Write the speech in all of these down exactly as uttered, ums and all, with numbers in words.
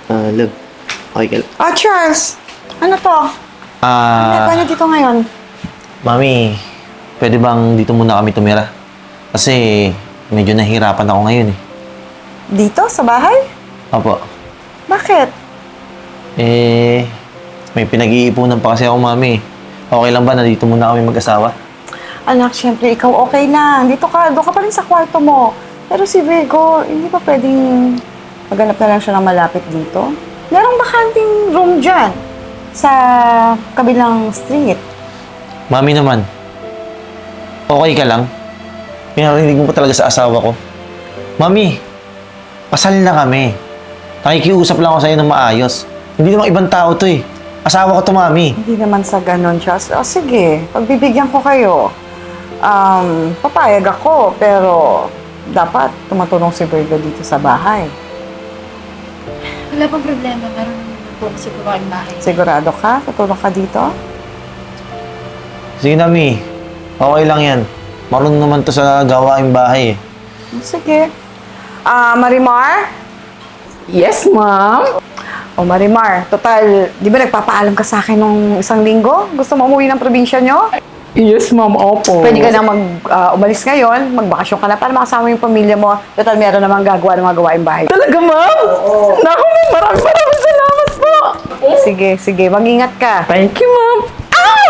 Ah, love. Okay ka lang. Oh, Charles! Ano to? Ah, Ano dito ngayon? mami, pwede bang dito muna kami tumira? Kasi medyo nahihirapan ako ngayon eh. Dito? Sa bahay? Opo. Bakit? Eh, may pinag-iipunan pa kasi ako, mami. Okay lang ba na dito muna kami mag-asawa? Anak, syempre, ikaw okay lang. Dito ka, doon ka pa rin sa kwarto mo. Pero si Virgo, hindi pa pwedeng maghanap na lang siya ng malapit dito? Merong bakanting room dyan sa kabilang street. Mami naman, okay ka lang? Pinarinig mo pa talaga sa asawa ko. Mami, pasal na kami. Nakikiusap lang ako sa'yo ng maayos. Hindi namang ibang tao to eh. Asawa ko to, mami. Hindi naman sa ganun, Charles. O sige, pagbibigyan ko kayo. Um, papayag ako, pero dapat tumutulong si Virgo dito sa bahay. Wala pang problema. Meron naman po kasi po ang bahay. Sigurado ka? Tutulong ka dito? Sige na, Mi. Okay lang yan. Marunong naman to sa gawaing bahay eh. Sige. Ah, Marimar? Yes, ma'am. O Marimar, total, di ba nagpapaalam ka sa akin nung isang linggo? Gusto mo umuwi ng probinsya nyo? Yes, ma'am. Opo. Pwede ka na mag, ah, umalis ngayon, magbakasyon ka na para makasama yung pamilya mo. Total, meron namang gagawa ng mga gawaing bahay. Talaga, ma'am? Oo. Naku, ma'am. Maraming maraming salamat po. Sige, sige, mag-ingat ka. Thank you, ma'am. Ah!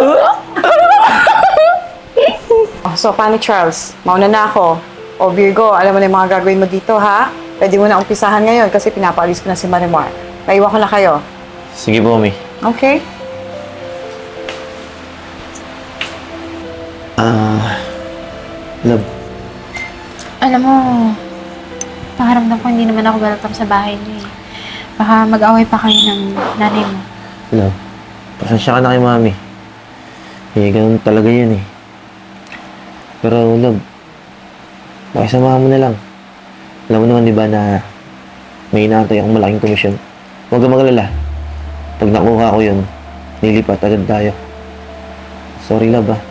Oh, so, paano Charles? Mauna na ako. O Virgo, alam mo na yung mga gagawin mo dito, ha? Pwede mo na umpisahan ngayon kasi pinapaalis ko na si Marimar. Naiwan ko na kayo. Sige po, Mi. Okay? Ah, love. Alam mo, pakaramdam ko hindi naman ako welcome sa bahay niyo eh. Baka mag-away pa kayo ng nanay mo. Love. Pasensya ka na kay mami. Eh, ganun talaga yun eh. Pero, love, makisamahan mo na lang. Alam mo naman, di ba, na may inaantay akong malaking komisyon. Huwag ka magalala. Pag nakuha ko yun, nilipat agad tayo. Sorry, love, ah.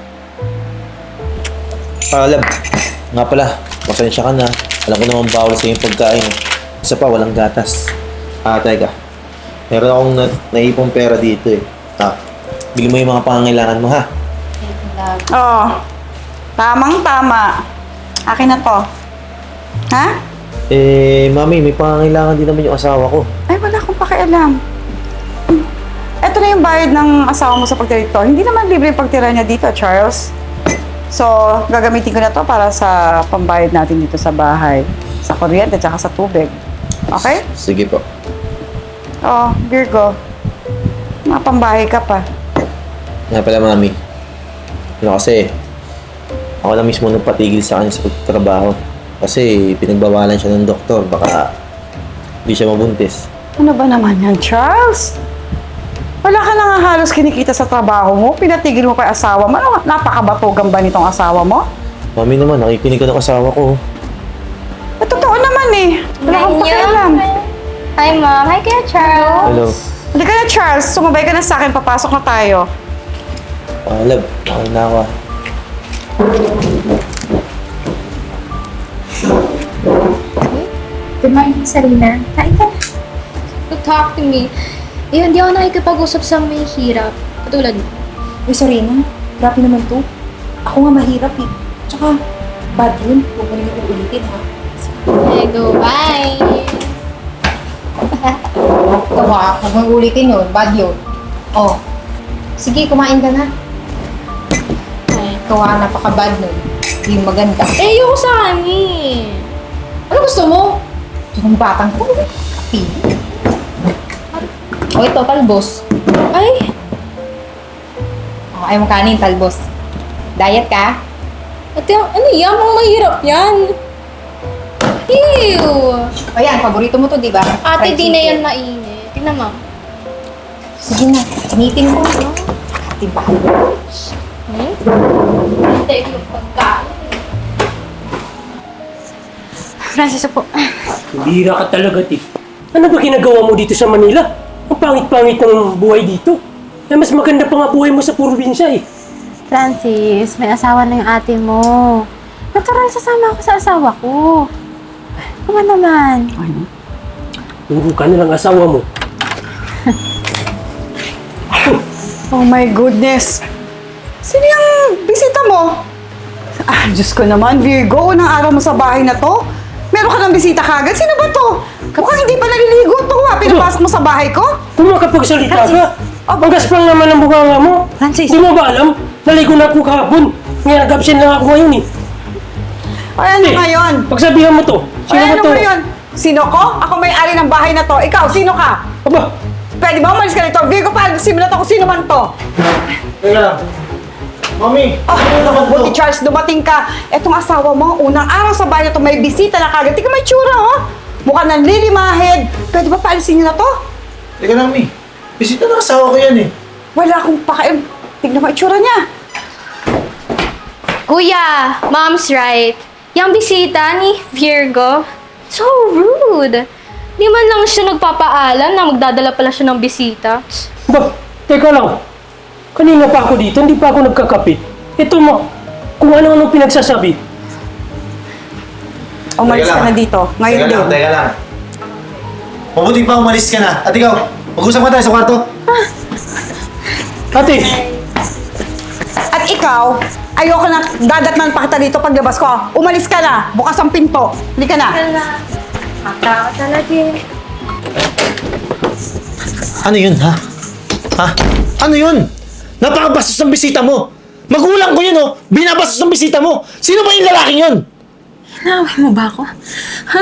Ah, love. Nga pala, pasensya ka na. Alam ko naman bawal sa yung pagkain. Isa pa, walang gatas. Ah, teka. Meron akong na naipong pera dito eh. Ah, bili mo yung mga pangangailangan mo, ha? Thank you, love. Oo. Tamang-tama. Akin na to. Ha? Eh, mami, may pangangailangan din naman yung asawa ko. Ay, wala akong pakialam. Ito na yung bayad ng asawa mo sa pagtira dito. Hindi naman libre yung pagtira niya dito, Charles. So, gagamitin ko na to para sa pambayad natin dito sa bahay. Sa kuryente at sa tubig. Okay? Sige po. Oh, Virgo. Mapambahay ka pa. Nga pala, mami. Ano kasi, ako na mismo nagpatigil sa kanya sa pagtrabaho. Kasi pinagbawalan siya ng doktor. Baka hindi siya mabuntis. Ano ba naman yan, Charles? Wala ka na nga halos kinikita sa trabaho mo. Pinatigil mo pa yung asawa mo. Ano, napakabatugan ba nitong asawa mo? Mami naman, nakikinig ka ng asawa ko. Eh, totoo naman eh. Wala akong pakialam. Hi, Mom. Hi, Kuya Charles. Hello. Halika na, Charles. Sumabay ka na sa akin. Papasok na tayo. Ah, love, okay na ako ah. Good morning, Sarina. Kain ka na. To talk to me. Eh, hindi ako nakikipag-usap sa may hirap. Katulad mo. Uy, Serena, grabe naman to. Ako nga mahirap eh. Tsaka, bad yun. Huwag mo na yung ulitin, ha? Okay, go. Bye! Ito ha, huwag mo yung ulitin yun. Bad yun. Oh, sige, kumain ka na. Ay. Ito ha, napaka-bad nun. Hindi maganda. Eh, ayoko sa amin. Ano gusto mo? Ito ng batang ko. Kapili. O, ito, talbos. Ay! O, ayaw mo kanin, talbos. Diet ka? Ate, ano yan? Mga mahirap yan. Ew! O yan, paborito mo to, di ba? Ate, Fried di na chicken. yan mainit. Tingnan mo. Sige na, initin mo. Ate, bahal. Hmm? Hintay ko yung pagkain. Francis, po. Bihira ka talaga, Ti. Ano ba ginagawa mo dito sa Manila? Ang pangit-pangit ng buhay dito. Eh, mas maganda pa nga buhay mo sa probinsya eh. Francis, may asawa na yung ate mo. Natural sasama ako sa asawa ko. Kuma naman. Ano? Turo ka na lang asawa mo. Oh my goodness. Sino yung bisita mo? Ah, Diyos ko naman, Virgo, unang araw mo sa bahay na to. Meron ka ng bisita kagad? Sino ba to? Mukhang hindi pa naliligo to ha. Pinapasok mo sa bahay ko? Kung makapagsalita ka, ang gaspang naman ang bunganga mo. Francis. Di mo ba alam? Naligo na ako kahapon. Ngayon, nag-absent lang ako ngayon eh. Ay, ano Eh, ngayon? Pagsabihan mo to. Sino Ay, ba ano to? ngayon? Sino ko? Ako may-ari ng bahay na to. Ikaw, sino ka? Aba, Pwede ba umalis ka nito? Virgo, paano simulat ako sino man to? Teka lang. Mami, Ah, ano naman buti to? Charles, dumating ka. Etong asawa mo, unang araw sa bahay na to, may bisita na kagad. Tingnan mo yung tsura, oh. Mukha nang lilimahid. Pwede ba paalisin niyo na to? Teka lang, Mi. Bisita ng asawa ko yan eh. Wala akong pakialam. Tingnan mo yung tsura niya. Kuya, mom's right. Yung bisita ni Virgo, so rude. Di man lang siya nagpapaalam na magdadala pala siya ng bisita. ba, teka lang. Kanina pa ako dito, hindi pa ako nagkakapit. Ito mo, kung ano-ano pinagsasabi. Umalis Teka ka lang. na dito. Ngayon Teka din. lang, teka lang. Mabuti pa umalis ka na. At ikaw, mag-usap ka tayo sa kwarto. Ate, At ikaw, ayoko na dadatnan pa kita dito paglabas ko. Umalis ka na. Bukas ang pinto. Hindi ka na. Matao talaga eh. Ano yun, ha? Ha? Ano yun? Napakabastos ng bisita mo. Magulang ko yun, oh. Binabastos ng bisita mo. Sino ba yung lalaking yun? Naway mo ba ako? Ha?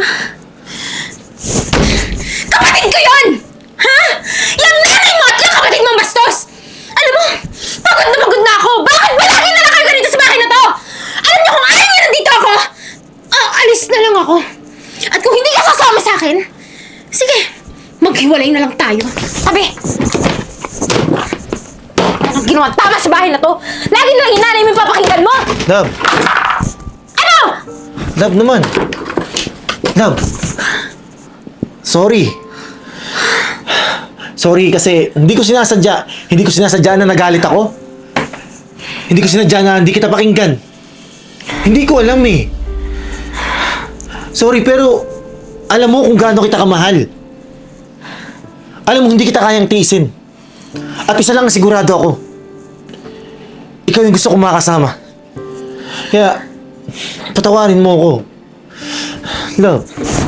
Kapatid ko yun! Ha? Yung nanay mo at yung kapatid mong bastos! Alam mo, pagod na pagod na ako! Bakit ba lagi na lang kayo ganito sa bahay na to? Alam niyo kung ayaw niyo nandito ako, ah, alis na lang ako. At kung hindi ka sasama sa akin, sige, maghiwalay na lang tayo. Sabi! Anong ginawa tama sa bahay na to? Lagi na lang yung nanay mo yung papakinggan mo! Love. Ano? Love naman. Love. Sorry. Sorry kasi hindi ko sinasadya. Hindi ko sinasadya na nagalit ako. Hindi ko sinadya na hindi kita pakinggan. Hindi ko alam eh. Sorry pero alam mo kung gaano kita kamahal. Alam mo hindi kita kayang tiisin. At isa lang ang sigurado ako. Ikaw yung gusto kong makasama. Kaya patawarin mo ako. Love.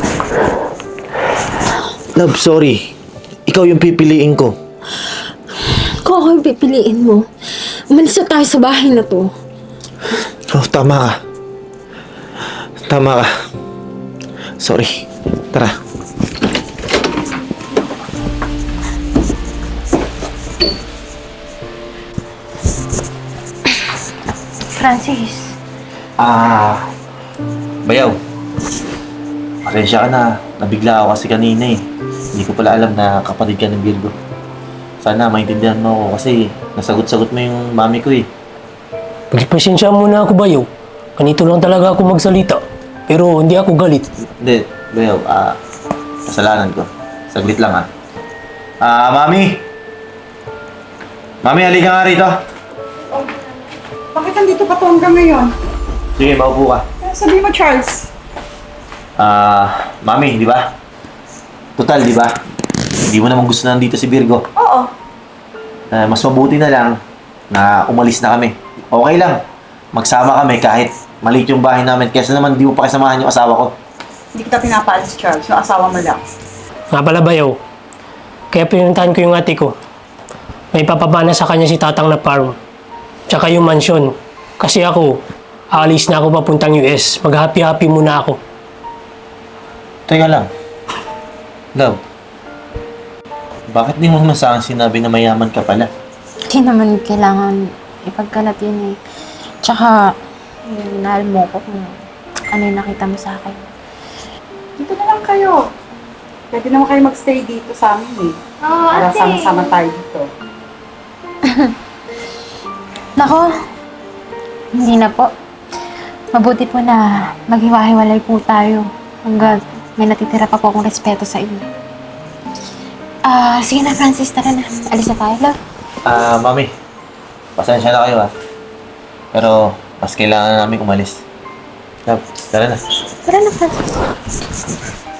Love, sorry. Ikaw yung pipiliin ko. Kung ako yung pipiliin mo, umalis na tayo sa bahay na to. Oh, tama ka. Tama ka. Sorry. Tara. Francis, Ah, Bayaw. Pasensya ka na. Nabigla ako kasi kanina eh. Hindi ko pala alam na kapatid ka ng Virgo. Sana maintindihan mo ako kasi nasagot-sagot mo yung mami ko eh. pagpasensya muna ako bayo. Ganito lang talaga ako magsalita. Pero hindi ako galit. Hindi, Bayaw. Ah, kasalanan ko. Saglit lang ah. Ah, mami! Mami, halika nga rito. Bakit nandito pa to hanggang ngayon? Sige, maupo ka. Sabi mo, Charles. Ah, mami, di ba? Total, di ba? Hindi mo naman gusto na nandito si Virgo. Oo. Ah, mas mabuti na lang na umalis na kami. Okay lang. Magsama kami kahit maliit yung bahay namin. Kesa naman di mo pa kasamahan yung asawa ko. Hindi kita pinapaalis, Charles. Yung asawa mo lang. Nga pala bayaw. Kaya pinuntahan ko yung ate ko. May papabana sa kanya si tatang na farm. Tsaka yung mansyon. Kasi ako, aalis na ako papuntang U S. Mag-happy-happy muna ako. Teka lang. Love. Bakit di mo naman sa akin sinabi na mayaman ka pala? hindi naman kailangan ipagkalat yun eh. Tsaka, yung nahal mo ko kung ano yung nakita mo sa akin. Dito na lang kayo. Pwede naman kayo magstay dito sa amin eh. Oo, Para ate. sama-sama tayo dito. Nako, hindi na po. Mabuti po na maghiwa-hiwalay po tayo hanggang may natitira pa po akong respeto sa inyo. Ah, sige na Francis, tara na. Alis na tayo, love. Ah, mami. Pasensya na kayo ah. Pero mas kailangan na namin umalis. Love, tara na. Tara na, Francis.